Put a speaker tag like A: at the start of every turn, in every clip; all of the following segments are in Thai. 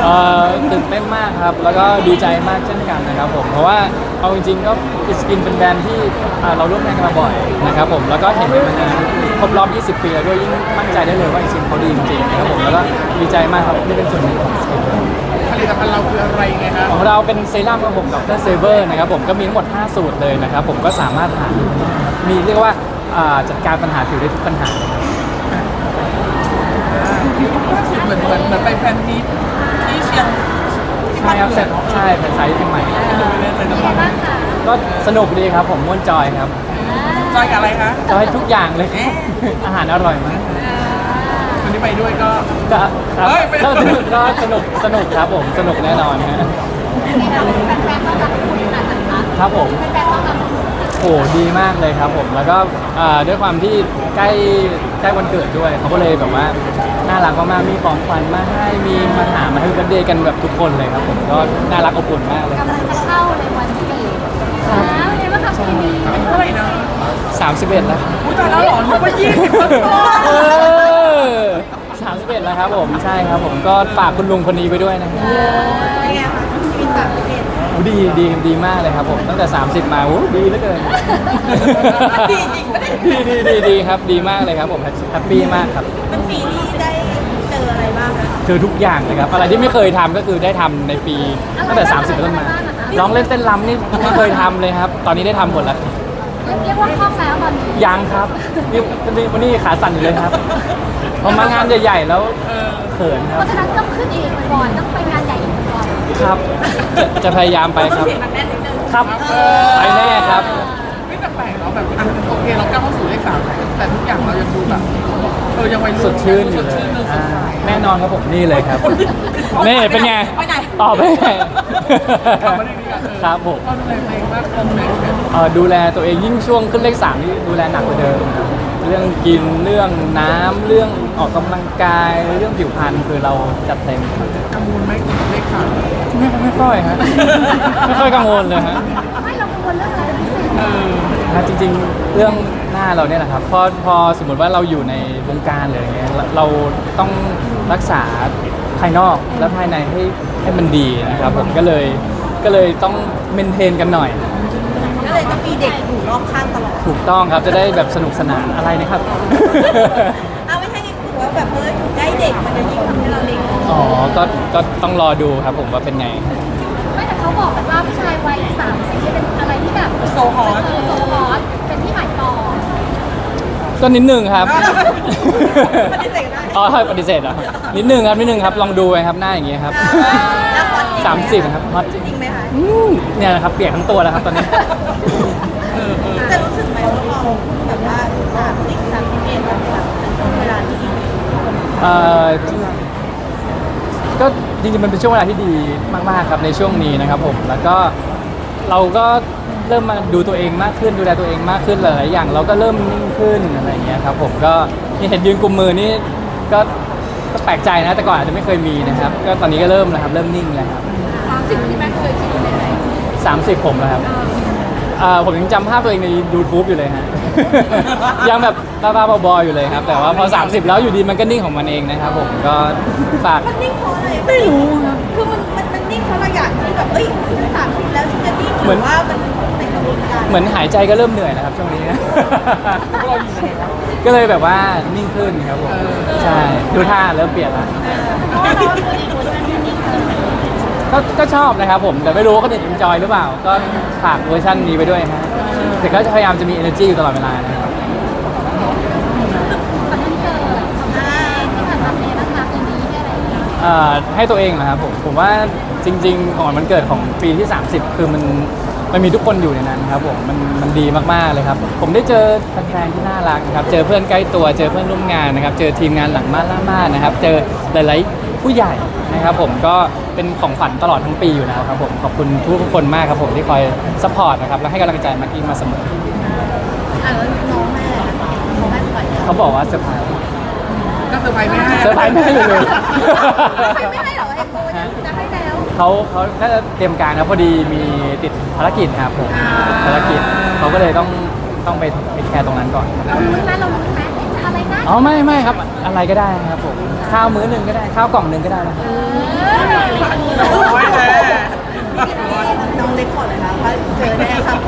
A: ตื่นเต้นมากครับแล้วก็ดีใจมากเช่นกันนะครับผมเพราะว่าเอาจริงๆก็อิสกินเป็นแบรนด์ที่เราร่วมงานกันมาบ่อยนะครับผมแล้วก็เห็นกันมานานครบรอบ 20 ปีแล้วด้วยยิ่งมั่นใจได้เลยว่าอิสกินเขาดีจริงๆนะครับผมแล้วก็ดีใจมากครับที่เป็นส่วนหนึ่งของอิสกิน
B: ผลิตภัณฑ์เราคืออะไรไงครับ
A: ของเราเป็นเซรั่มของผมดรเซเวอร์นะครับผมก็มีทั้งหมด5สูตรเลยนะครับผมก็สามารถหามีเรียกว่าจัดการปัญหาผิวได้ทุกปัญหา
B: ล่าสุดเหมือนไปแฟนมีตที่เชียง
A: ใช่ครับเสร็จใช่เป็นไซส์ที่ใหม่ก็สนุกดีครับผมม่วนจอยครับ
B: จอยกับอะไรคะ
A: จอยทุกอย่างเลยอาหารอร่อยมาก
B: วันนี้ไปด้วยก็
A: ครับก็สนุกครับผมสนุกแน่นอนฮะครับผมโอ้ดีมากเลยครับผมแล้วก็ด้วยความที่ใกล้วันเกิดด้วยเขาก็เลยแบบว่าน่ารักมากๆมีของขวัญมาให้มีมาหามาให้บันเดย์กันแบบทุกคนเลยครับผมก็น่ารักอบอุ่นมากเลย
C: กำลังจะเข้าในวันเกิดแล้วเห็นว่ากับปีนี้
B: เท่าไหร่นะ
A: 31แล้ว
B: อุ้ยตายแล้วหรอนึกว่า
A: 31แล้วครับผมใช่ครับผมก็ฝากคุณลุงคนนี้ไปด้วยนะครับ
C: เป็นไงคะมี
A: ดีมากเลยครับผมตั้งแต่30มาดีเหลือเกิน
C: ดีจริงปะเนี่ย
A: ดีครับดีมากเลยครับผมแฮปปี้มากครับ
C: มันปีนี้ได้เจออะไรบ้างคะ
A: เจอทุกอย่างเลยครับอะไรที่ไม่เคยทำก็คือได้ทำในปีตั้งแต่30เป็นต้นมาร้องเล่นเต้นรำนี่ไม่เคยทำเลยครับตอนนี้ได้ทำหมดแล้ว
C: เรียกว่าคล่องแล้วตอนนี้
A: ยังครับนี่วันนี้ขาสั่นอยู่เลยครับพอมางานใหญ่ๆแล้วเขินค
C: เพ
A: รับ
C: ราะฉะนั้นต้องขึ้นเองก่อนต้องไปงานใหญ่ก่อน
A: ครับจะพยายามไปครับครับไปแน่ครับ
B: ไม่แปลกเนาะแบบโอเคเราก้าวเข้าสู่เลข3แต่ทุกอย่างเรายังดูแบบยังวัยรุ่น
A: สดชื่นอยู่เลยแน่นอนครับผมนี่เลยครับนี่เป็นไงตอบไปครับผม
B: ดูแลตัวเองมากขึ้นไหม
A: ดูแลตัวเองยิ่งช่วงขึ้นเลข3นี่ดูแลหนักกว่าเดิมเรื่องกินเรื่องน้ำเรื่องออกกำลังกายเรื่องผิวพรรณคือเราจัดเต็ม
B: กังวลไหมกับเลข3
A: ไม่ค่อยฮะไม่ค่อยกังวลเลยฮะ
C: ไม่เรากังวลเรื่องอะไรพิเศษ
A: จริงๆเรื่องหน้าเราเนี่ยแหละครับพอสมมติว่าเราอยู่ในวงการเลยอย่างเงี้ยเราต้องรักษาภายนอกและภายในให้มันดีนะครับผมก็เลยต้องเมนเทนกันหน่อย
C: ก็เลยต้องมีเด็กอยู่รอบข้างตลอด
A: ถูกต้องครับจะได้แบบสนุกสนานอะไรนะครับ
C: ไม่ใช่ถือว่าแบบอยู่ใกล้เด็กมันจะยิ่งทำให้เราเล็ก
A: อ๋อก็ต้องรอดูครับผมว่าเป็นไง
C: ไม่แต่เขาบอกกันว่าผู้ชายวัย30เป็นอะไรที่แบบโซฮอตเป็นที่หมายปอง
A: ก็นิดนึงครับ
C: ปฏิเสธได้
A: อ๋อปฏิเสธอ่ะนิดนึงครับลองดูครับหน้าอย่างเงี้ยครับ30ครับฮอต
C: จริงไหมคะ
A: เนี่ยนะครับเปียกทั้งตัวแล้วครับตอนนี้
C: จะรู้สึกไหมว่าเราแบบว่า31แบบเป็นช่วงเวลาที่ดี
A: ก็จริงๆมันเป็นช่วงเวลาที่ดีมากๆครับในช่วงนี้นะครับผมแล้วก็เราก็เริ่มมาดูตัวเองมากขึ้นดูแลตัวเองมากขึ้นหลายๆอย่างเราก็เริ่มนิ่งขึ้นอะไรอย่างเงี้ยครับผมก็นี่เห็นยืนกุมมือนี่ก็แปลกใจนะแต่ก่อนอาจจะไม่เคยมีนะครับก็ตอนนี้ก็เริ่มแล้วครับเริ่มนิ่งแล้วครับ
C: 30ที่แม่เคยคิดเป็นอะไร
A: 30ผมแล้วครับผมยังจำภาพตัวเองใน YouTube อยู่เลยฮะยังแบบบ้าๆบอๆอยู่เลยครับแต่ว่าพอ30แล้วอยู่ดีมันก็นิ่งของมันเองนะครับผมก็ฝาก
C: มันนิ่งเพราะอะไรไม่รู้ครับคือมันนิ่งเพราะเราอยากที่แบบ30แล้วจะนิ่งหรือว่ามันในกระบวนการ
A: เหมือนหายใจก็เริ่มเหนื่อยนะครับช่วงนี้ก็เลยแบบว่านิ่งขึ้นครับผมใช่ดูท่าเริ่มเปลี่ยนแล้วก็ชอบนะครับผมแต่ไม่รู้ว่าเขาจะ enjoy หรือเปล่าก็ฝากเวอร์ชันนี้ไปด้วยฮะแต่ก็จะพยายามจะมี energy อยู่ตลอดเวลานะครับให้ตัวเองนะครับผมว่าจริงๆของวันเกิดของปีที่30คือมันมีทุกคนอยู่ในนั้นครับผมมันดีมากๆเลยครับผมได้เจอแฟนๆที่น่ารักนะครับเจอเพื่อนใกล้ตัวเจอเพื่อนร่วมงานนะครับเจอทีมงานหลังม่านล่าม่านนะครับเจอหลายๆผู้ใหญ่นะครับผมก็เป็นของขวัญตลอดทั้งปีอยู่แล้วครับผมขอบคุณทุกคนมากครับผมที่คอยซัพพอร์ตนะครับและให้กำลังใจมากกี้มาเสมอ
C: แล้วน้องแม่
A: เขาบอกว่าเซอร์ไพรส์
B: ก็เซอร์ไพรส์แม่
A: เซอร์ไพรส์แม่เลย
C: ไม่ให้หรอเอ็มโบจะให้แล้ว
A: เขาน่าจะเตรียมการครับพอดีมีติดภารกิจครับผมภารกิจเขาก็เลยต้องไปแคร์ตรงนั้นก่อน
C: เรารู้ไหมจะอะไรนะ
A: อ๋อไม่ครับอะไรก็ได้ครับผมข้าวมื้อหนึ่งก็ได้ข้าวกล่องหนึ่งก็ได้นะครับ
B: โอ้ยแน่
C: น้องเล็กก่อนเลยค่ะว่าเจอแน่ครับผม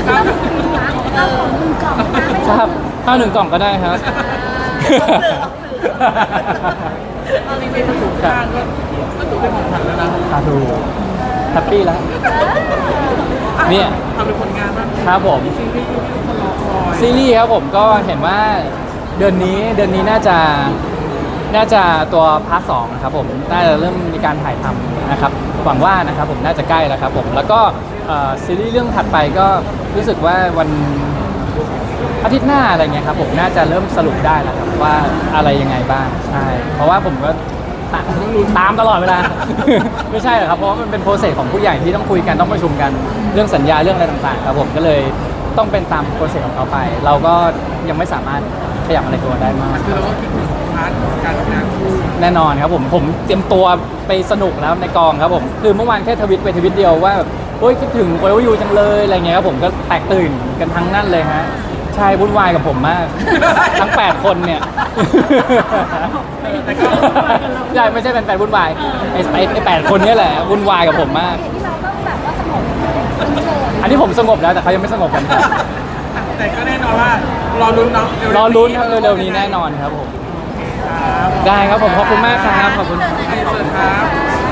A: ครับข้าวหนึ่งกล่องก็ได้ครับ
B: ตอนนี้เป็นถูกทางก็ถูกเป็นของขวัญแล้วนะ
A: ครับดูแฮปปี้แล้ว เนี่ย
B: ทำเป็นผลงานบ้าง
A: ครับผม
B: ซีรีส์ที่ทุกคนรอคอย
A: ซีรีส์ครับผมก็เห็นว่าเดือนนี้น่าจะตัวพาร์ทสองนะครับผมน่าจะเริ่มมีการถ่ายทำนะครับหวังว่านะครับผมน่าจะใกล้แล้วครับผมแล้วก็ซีรีส์เรื่องถัดไปก็รู้สึกว่าวันอาทิตย์หน้าอะไรเงี้ยครับผมน่าจะเริ่มสรุปได้แล้วครับว่าอะไรยังไงบ้างใช่เพราะว่าผมก็ตามตลอดเวลา ไม่ใช่หรอกครับเพราะว่ามันเป็นโปรเซสของผู้ใหญ่ที่ต้องคุยกันต้องประชุมกันเรื่องสัญญาเรื่องอะไรต่างๆครับผมก็เลยต้องเป็นตามโปรเซสของเขาไป เราก็ยังไม่สามารถขยับอะไรตัวได้มาก
B: คือเราก็คิดถึงพาร์ทการทำงานคู่
A: แน่นอนครับผมเตรียมตัวไปสนุกแล้วในกองครับผมคือเมื่อวานแค่ทวิตไปทวิตเดียวว่าแบบโอ้ยคิดถึงโอยูจังเลยอะไรเงี้ยครับผมก็แตกตื่นกันทั้งนั้นเลยฮะใช่วุ่นวายกับผมมาก ทั้ง 8 คนเนี่ย
B: แต่ก็
A: ใช่ไม่ใช่เป็นแฟนวุ่นวายไอ้8 คนเนี่ยแหละวุ่นวายกับผมมาก
C: ที่เราต้องแบบว่าสงบเฉย
A: อันนี้ผมสงบแล้วแต่เขายังไม่สงบกันครับ
B: แต่ก็แน่นอนว่ารอลุ้นเนาะ
A: รอลุ้นครับเร็วๆนี้แน่นอนครับผม
B: ครับ
A: ได้ครับผมขอบคุณมากครับขอบคุณ
B: เชิญครับ